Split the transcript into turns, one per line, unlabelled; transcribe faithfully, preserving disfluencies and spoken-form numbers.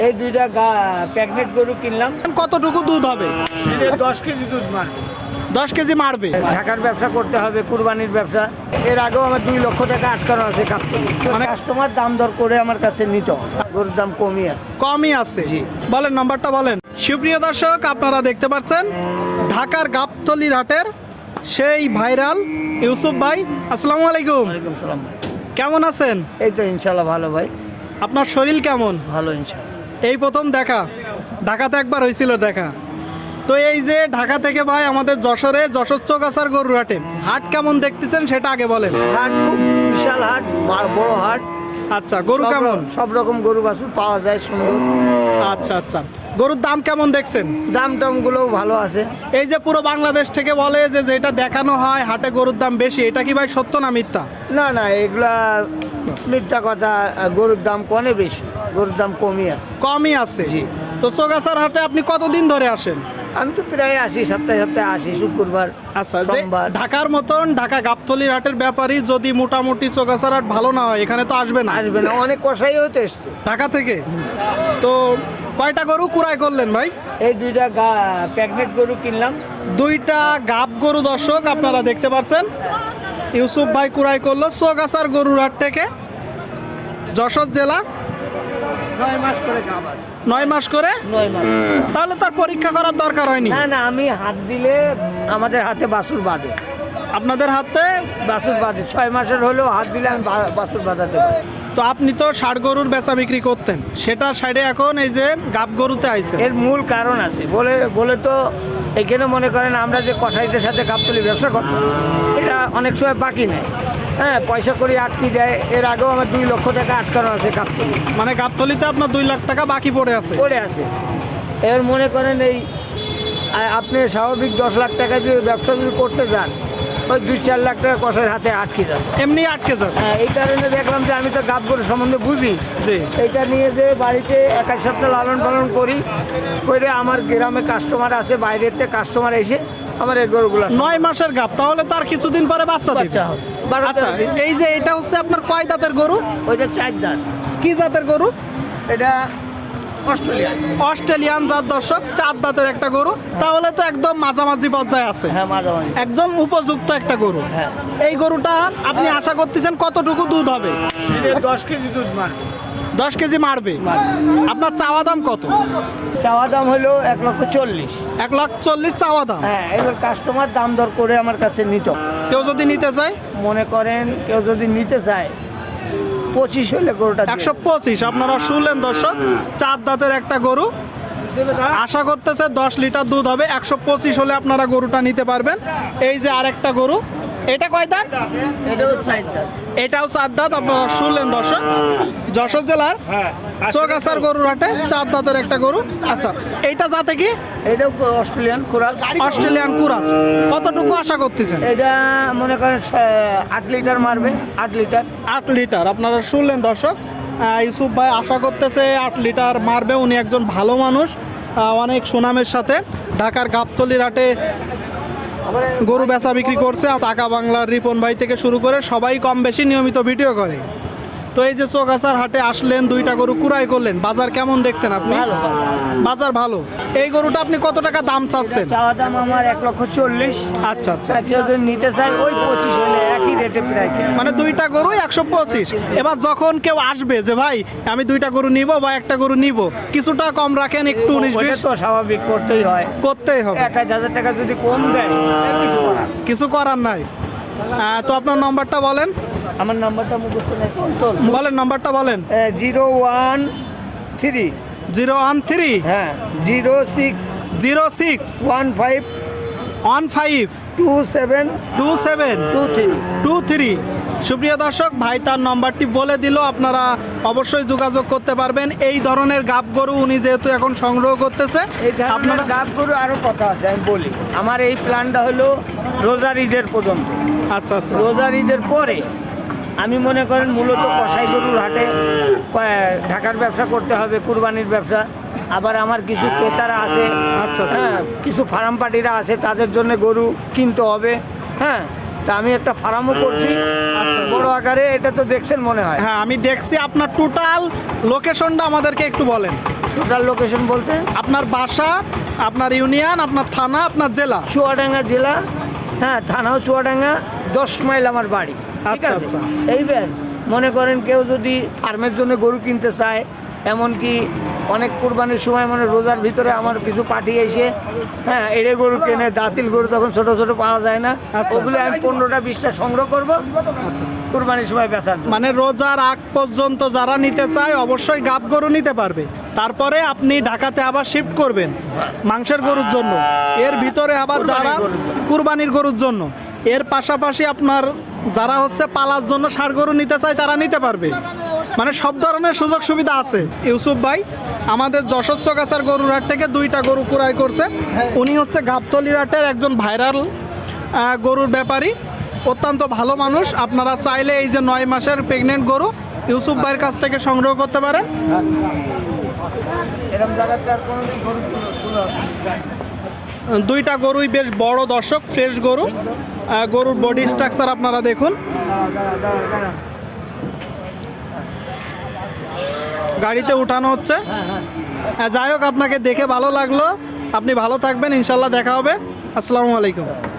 এই দুইটা প্যাকেট গরু কিনলাম।
কতটুকু দুধ হবে?
দশ কেজি দুধ মারবে।
দশ কেজি মারবে।
ঢাকার ব্যবসা করতে হবে, কুরবানির ব্যবসা। এর আগেও আমার দুই লক্ষ টাকা আটকানো আছে কাপড়। মানে কাস্টমার দাম দর করে আমার কাছে নিত, গরুর দাম কমই আছে।
কমই আছে, জি। বলেন নাম্বারটা বলেন। সুপ্রিয় দর্শক, আপনারা দেখতে পাচ্ছেন ঢাকার গাবতলীর হাটের সেই ভাইরাল ইউসুফ ভাই। আসসালামু আলাইকুম।
ওয়ালাইকুম সালাম ভাই,
কেমন আছেন?
এই তো ইনশাল্লাহ ভালো ভাই।
আপনার শরীর কেমন?
ভালো ইনশাল্লাহ।
এই প্রথম দেখা, ঢাকাতে একবার হয়েছিল দেখা। তো এই যে ঢাকা থেকে ভাই আমাদের যশোরে যশোর চৌগাছার গরুর হাটে হাট কেমন দেখতেছেন সেটা আগে বলেন।
হাট খুব বিশাল হাট, বড় হাট।
আচ্ছা, গরু কেমন?
সব রকম গরু বাছুর পাওয়া যায়, সুন্দর।
আচ্ছা আচ্ছা, গরুর দাম কেমন দেখছেন?
দাম টাম গুলোও ভালো আছে।
এই যে পুরো বাংলাদেশ থেকে বলে যে যেটা দেখানো হয় হাটে গরুর দাম বেশি, এটা কি ভাই সত্য না মিথ্যা?
না না, এগুলা মিথ্যা কথা। গরুর দাম কনে বেশি, গরুর দাম কমই আছে।
কমই আছে, জি। তো চৌগাছার হাটে আপনি কতদিন ধরে আসেন?
আমি তো প্রায় আসি, সপ্তাহে সপ্তাহে আসি, শুক্রবার।
আচ্ছা, যে ঢাকার মতন ঢাকা গাবতলীর হাটের ব্যাপারই যদি মোটামুটি চৌগাছার হাট ভালো না হয়, এখানে তো আসবে না।
আসবে না, অনেক কষাই হতে এসছে
ঢাকা থেকে। তো কয়টা গরু কুড়াই করলেন ভাই?
এই দুইটা প্যাকেট গরু কিনলাম।
দুইটা গাব গরু দর্শক আপনারা দেখতে পাচ্ছেন, ইউসুফ ভাই কুড়াই করলো চৌগাছার গরুর হাট থেকে, যশোর জেলা।
নয় মাস করে গাব আছে।
নয় মাস করে?
নয় মাস।
তাহলে তার পরীক্ষা করার দরকার হয়নি।
না না, আমি হাত দিলে আমাদের হাতে বাছুর বাঁধে।
আপনাদের হাতে
বাছুর বাঁধে, ছয় মাসের হলেও হাত দিলে আমি বাছুর বাঁধাতে পারি।
তো আপনি তো ষাট গরুর বেচা বিক্রি করতেন, সেটা সাইডে এখন এই যে গাব গরুতে আইছে।
এর মূল কারণ আছে বলে বলে তো এখানে মনে করেন আমরা যে কসাইদের সাথে গাবতলী ব্যবসা করতাম, এটা অনেক সময় বাকি নেয়। হ্যাঁ, পয়সা করে আটকে দেয়। এর আগেও আমার দুই লক্ষ টাকা আটকানো আছে গাবতলী।
মানে গাবতলীতে আপনার দুই লাখ টাকা বাকি পড়ে আছে?
পড়ে আছে। এবার মনে করেন এই আপনি স্বাভাবিক দশ লাখ টাকা যদি ব্যবসা যদি করতে যান, ওই দুই চার লাখ টাকা কষার হাতে আটকে যান,
এমনি আটকে যান।
হ্যাঁ, এই কারণে দেখলাম যে আমি তো গাব গরু সম্বন্ধে বুঝি,
জি।
এইটা নিয়ে যে বাড়িতে এক এক সপ্তাহ লালন পালন করি করে আমার গ্রামে কাস্টমার আছে, বাইরের থেকে কাস্টমার এসে আমার এই গরুগুলো।
নয় মাসের গাব, তাহলে তার কিছুদিন পরে বাচ্চা দিবে।
বাচ্চা হবে। বারো
আচ্ছা,
তেরো দিন।
এই যে এটা হচ্ছে আপনার কয় দাঁতের গরু?
ওইটা চার দাঁত।
কি জাতের গরু?
এটা অস্ট্রেলিয়া।
অস্ট্রেলিয়ান জাত দর্শক, চার দাঁতের একটা গরু। তাহলে তো একদম মাঝামাঝি পর্যায়ে আছে।
হ্যাঁ, মাঝামাঝি
একদম উপযুক্ত একটা গরু।
হ্যাঁ।
এই গরুটা আপনি আশা করতেছেন কতটুকু দুধ হবে?
দশ কেজি দুধ মারবে।
দশ কেজি মারবে। আপনার চাওয়া দাম কত?
চাওয়া দাম হলো এক লক্ষ চল্লিশ।
এক লাখ চল্লিশ চাওয়া দাম।
হ্যাঁ, এবার কাস্টমার দাম দর করে আমার কাছে নিত।
কেউ যদি নিতে চায়,
মনে করেন কেউ যদি নিতে চায়, পঁচিশ হলে গরুটা
একশো পঁচিশ। আপনারা শুনলেন দর্শক, চার দাঁতের একটা গরু, আশা করতেছে দশ লিটার দুধ হবে। একশো পঁচিশ হলে আপনারা গরুটা নিতে পারবেন। এই যে আরেকটা গরু, এটা কয় দাঁত?
এটাও সাইজ দাঁত।
এটাও চার দাঁত। আপনারা শুনলেন দর্শক, যশোর জেলার চৌগাছার গরুর হাটে চার দাঁতের একটা গরু। আচ্ছা, এইটা জাতে কি?
এটাও অস্ট্রেলিয়ান কুরাস।
অস্ট্রেলিয়ান কুরাস। কতটুকু আশা করতেছেন?
এটা মনে করেন আট লিটার মারবে। আট লিটার।
আট লিটার। আপনারা শুনলেন দর্শক, ইউসুফ ভাই আশা করতেছে আট লিটার মারবে। উনি একজন ভালো মানুষ, অনেক সুনামের সাথে ঢাকার গাবতলীর হাটে গরু বেচা বিক্রি করছে। চাকা বাংলার রিপন ভাই থেকে শুরু করে সবাই কম বেশি নিয়মিত ভিডিও করে। তো এই যে চৌগাছার হাটে আসলেন, দুইটা গরু কুড়াই করলেন, বাজার কেমন দেখছেন আপনি? বাজার ভালো। এই গরুটা আপনি কত টাকা দাম চাচ্ছেন?
চাওয়া দাম আমার এক লক্ষ চল্লিশ।
আচ্ছা আচ্ছা।
কেউ যদি নিতে চায় ওই পঁচিশ হলে একই রেটে প্রায় কিনে।
মানে দুইটা গরু একশো পঁচিশ। এবার যখন কেউ আসবে যে ভাই আমি দুইটা গরু নিব বা একটা গরু নিব, কিছুটা কম রাখেন, একটু উনিশ বিশ
তো স্বাভাবিক করতেই হয়,
করতেই হবে।
এক হাজার টাকা যদি কম দেয় কিছু করার
কিছু করার নাই। তো আপনার নাম্বারটা বলেন।
আমার নাম্বারটা মুখস্থ নেই তো।
বলেন নাম্বারটা বলেন।
Zero one three
zero one three
হ্যাঁ zero six
zero six
one five
one five
two seven
two seven
two three
two three. সুপ্রিয় দর্শক, ভাই তার নম্বরটি বলে দিল, আপনারা অবশ্যই যোগাযোগ করতে পারবেন। এই ধরনের গাব গরু উনি যেহেতু এখন সংগ্রহ করতেছে,
আপনারা গাব গরু আরও কথা আছে আমি বলি। আমার এই প্ল্যানটা হলো রোজার ঈদের পর্যন্ত।
আচ্ছা আচ্ছা।
রোজার ঈদের পরে আমি মনে করেন মূলত কসাই গরুর হাটে ঢাকার ব্যবসা করতে হবে, কুরবানির ব্যবসা। আবার আমার কিছু ক্রেতারা আছে,
আচ্ছা
হ্যাঁ, কিছু ফার্ম পার্টিরা আছে, তাদের জন্য গরু কিনতে হবে। হ্যাঁ, তা আমি একটা ফার্মও করছি
আচ্ছা।
বড় আকারে, এটা তো দেখছেন মনে হয়।
হ্যাঁ আমি দেখছি আপনার টোটাল লোকেশনটা আমাদেরকে একটু বলেন।
টোটাল লোকেশন বলতে
আপনার বাসা, আপনার ইউনিয়ন, আপনার থানা, আপনার জেলা।
চুয়াডাঙ্গা জেলা, হ্যাঁ থানাও চুয়াডাঙ্গা, দশ মাইল আমার বাড়ি। ঠিক
আচ্ছা,
আছে,
আচ্ছা।
এইবার মনে করেন কেউ যদি ফার্মের জন্য গরু কিনতে চায়, এমনকি অনেক কুরবানির সময় মানে রোজার ভিতরে আমার কিছু পার্টি এসে হ্যাঁ এড়ে গরু কেনে, দাঁতিল গরু তখন ছোট ছোট পাওয়া যায় না,
আচ্ছা।
ওগুলো আমি পনেরোটা বিশটা সংগ্রহ করবো
আচ্ছা,
কুরবানির সময় বেচার জন্য।
মানে রোজার আগ পর্যন্ত যারা নিতে চায় অবশ্যই গাব গরু নিতে পারবে। তারপরে আপনি ঢাকাতে আবার শিফট করবেন মাংসের গরুর জন্য, এর ভিতরে আবার যারা
কুরবানির গরুর জন্য।
কুরবানির গরুর জন্য, এর পাশাপাশি আপনার যারা হচ্ছে পালার জন্য ষাঁড় গরু নিতে চায় তারা নিতে পারবে। মানে সব ধরনের সুযোগ সুবিধা আছে। ইউসুফ ভাই আমাদের যশোর চকাছার গরুর হাট থেকে দুইটা গরু ক্রয় করছে। উনি হচ্ছে গাবতলির হাটের একজন ভাইরাল আহ, গরুর ব্যাপারী, অত্যন্ত ভালো মানুষ। আপনারা চাইলে এই যে নয় মাসের প্রেগনেন্ট গরু ইউসুফ ভাইয়ের কাছ থেকে সংগ্রহ করতে পারেন।
এরকম জায়গাতে আর কোনোদিন গরু তুলো- তুলো যায় না।
দুইটা গরুই বেশ বড় দর্শক, ফ্রেশ গরু। আহ, গরুর বডি স্ট্রাকচার আপনারা দেখুন। গাড়িতে উঠানো হচ্ছে। আহ, যাই হোক, আপনাকে দেখে ভালো লাগলো। আপনি ভালো থাকবেন, ইনশাল্লাহ দেখা হবে। আসসালামু আলাইকুম।